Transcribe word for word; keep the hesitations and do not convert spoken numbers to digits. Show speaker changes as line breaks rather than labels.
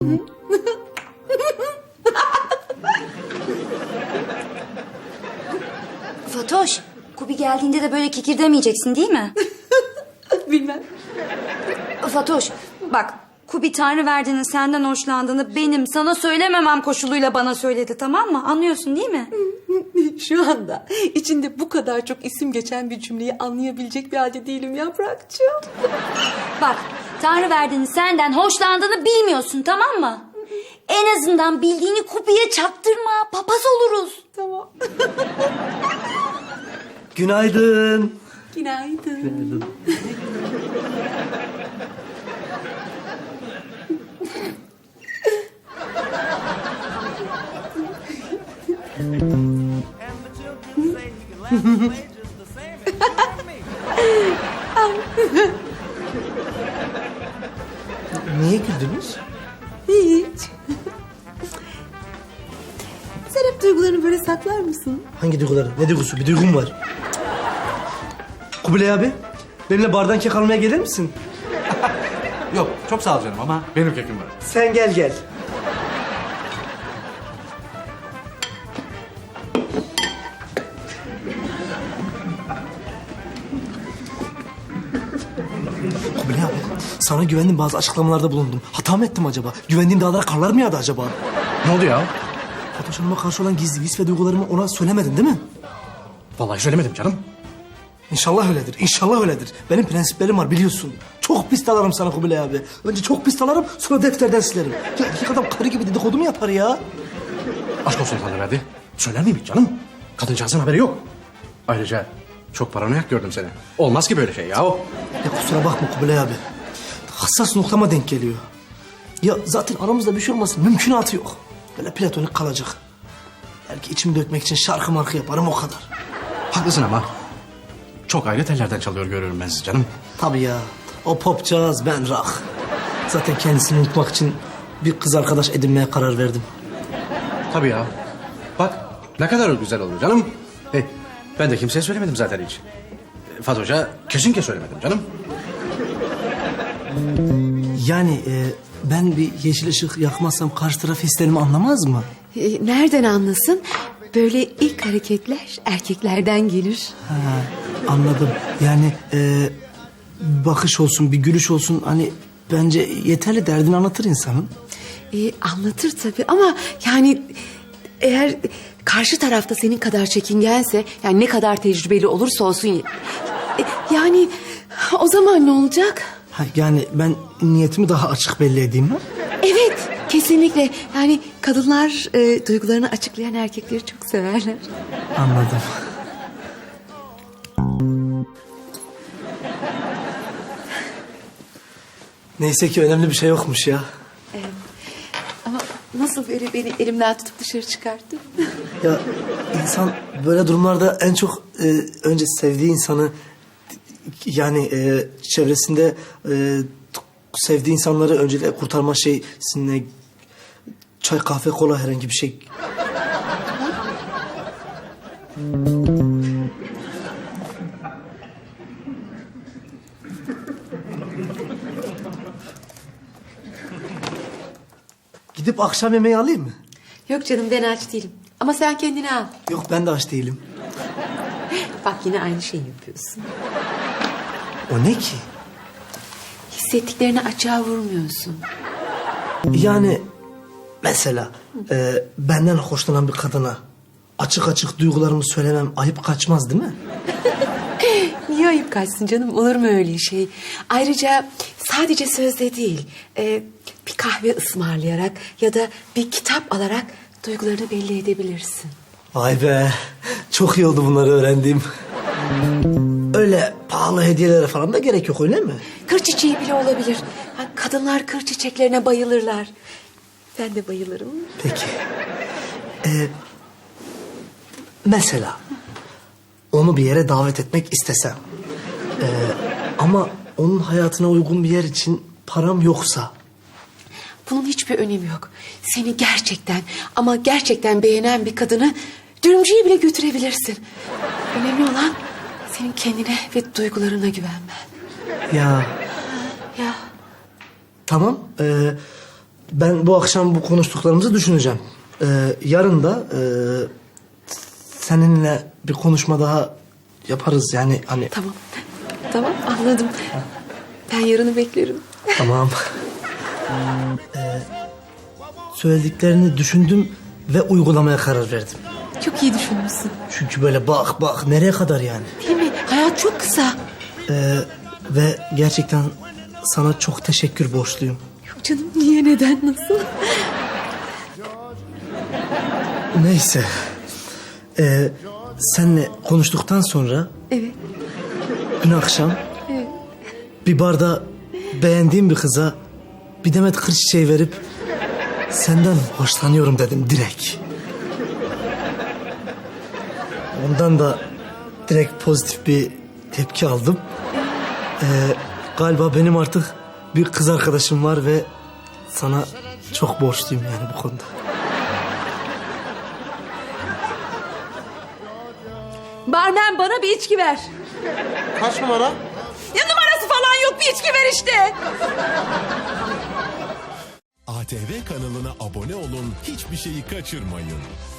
Fatoş, Kubi geldiğinde de böyle kikir demeyeceksin değil mi?
Bilmem.
Fatoş, bak Kubi Tanrıverdi'nin senden hoşlandığını benim sana söylememem koşuluyla bana söyledi, tamam mı? Anlıyorsun değil mi?
Şu anda içinde bu kadar çok isim geçen bir cümleyi anlayabilecek bir halde değilim Yaprakçığım.
Bak, Tanrıverdi'nin senden hoşlandığını bilmiyorsun, tamam mı? En azından bildiğini Kubi'ye çaktırma, papaz oluruz.
Tamam.
Günaydın.
Günaydın.
Günaydın. Niye güldünüz?
Hiç. Sen hep duygularını böyle saklar mısın?
Hangi duyguları? Ne duygusu? Bir duygum var. Kubilay abi, benimle bardan kek almaya gelir misin?
Yok çok sağ ol canım ama benim kekim var.
Sen gel gel. Kubilay abi, sana güvendim, bazı açıklamalarda bulundum. Hata mı ettim acaba? Güvendiğim dağlara karlar mı yağdı acaba?
Ne oldu ya?
Fatoş Hanım'a karşı olan gizli his ve duygularımı ona söylemedin değil mi?
Vallahi söylemedim canım.
İnşallah öyledir, inşallah öyledir. Benim prensiplerim var biliyorsun. Çok pis dalarım sana Kubilay abi. Önce çok pis dalarım, sonra defterden silerim. Ya erkek adam karı gibi dedikodu mu yapar ya?
Aşk olsun Tanrıverdi. Söyler miyim hiç canım? Kadıncağızın haberi yok. Ayrıca çok paranoyak gördüm seni. Olmaz ki böyle şey ya o.
Ya kusura bakma Kubilay abi. Hassas noktama denk geliyor. Ya zaten aramızda bir şey olmasın mümkünatı yok. Böyle platonik kalacak. Belki içimi dökmek için şarkı markı yaparım o kadar.
Haklısın ama. Çok ayrı tellerden çalıyor görüyorum ben sizi canım.
Tabii ya. O popcağız, ben rock. Zaten kendisini unutmak için bir kız arkadaş edinmeye karar verdim.
Tabii ya. Bak ne kadar güzel olur canım. Hey, ben de kimseye söylemedim zaten hiç. Fatoş'a kesinlikle söylemedim canım.
Yani e, ben bir yeşil ışık yakmazsam karşı taraf hislerimi anlamaz mı?
Ee, nereden anlasın? Böyle ilk hareketler erkeklerden gelir.
Ha, anladım. Yani e, bakış olsun, bir gülüş olsun, hani bence yeterli, derdini anlatır insanın.
Ee, anlatır tabii ama yani eğer karşı tarafta senin kadar çekingense, yani ne kadar tecrübeli olursa olsun, e, yani o zaman ne olacak?
Ha, yani ben niyetimi daha açık belli edeyim mi?
Evet, kesinlikle. Yani kadınlar e, duygularını açıklayan erkekleri çok severler.
Anladım. Neyse ki önemli bir şey yokmuş ya.
Ama nasıl böyle beni elimden tutup dışarı çıkarttı?
Ya insan böyle durumlarda en çok e, önce sevdiği insanı, yani e, çevresinde e, sevdiği insanları öncelikle kurtarma şeysine, çay, kahve, kola, herhangi bir şey. Gidip akşam yemeği alayım mı?
Yok canım, ben aç değilim. Ama sen kendini al.
Yok, ben de aç değilim.
Bak yine aynı şeyi yapıyorsun.
O ne ki?
Hissettiklerini açığa vurmuyorsun.
Yani mesela e, benden hoşlanan bir kadına açık açık duygularımı söylemem ayıp kaçmaz değil mi?
Niye ayıp kaçsın canım? Olur mu öyle şey? Ayrıca sadece sözle değil, e, bir kahve ısmarlayarak ya da bir kitap alarak duygularını belli edebilirsin.
Vay be, çok iyi oldu bunları öğrendiğim. Öyle pahalı hediyelere falan da gerek yok, öyle mi?
Kır çiçeği bile olabilir. Ha, kadınlar kır çiçeklerine bayılırlar. Ben de bayılırım.
Peki. Ee, mesela onu bir yere davet etmek istesem, ee, ama onun hayatına uygun bir yer için param yoksa.
Bunun hiçbir önemi yok. Seni gerçekten ama gerçekten beğenen bir kadını dürümcüye bile götürebilirsin. Önemli olan senin kendine ve duygularına güvenmen.
Ya
Ya
tamam, ee, ben bu akşam bu konuştuklarımızı düşüneceğim. Ee, yarın da e, seninle bir konuşma daha yaparız yani hani.
Tamam. Tamam anladım. Ben yarını beklerim.
Tamam. Ee, söylediklerini düşündüm ve uygulamaya karar verdim.
Çok iyi düşünmüşsün.
Çünkü böyle bak bak nereye kadar yani.
Değil mi? Hayat çok kısa.
Ee, ve gerçekten sana çok teşekkür borçluyum.
Yok canım niye neden nasıl?
Neyse. Ee, seninle konuştuktan sonra
Evet.
dün akşam
Evet.
bir barda beğendiğim bir kıza bir demet kır çiçeği verip senden hoşlanıyorum dedim direkt. Ondan da direkt pozitif bir tepki aldım. Ee, galiba benim artık bir kız arkadaşım var ve sana çok borçluyum yani bu konuda.
Barmen bana bir içki ver.
Kaç numara?
Ya numarası falan yok bir içki ver işte.
A T V kanalına abone olun, hiçbir şeyi kaçırmayın.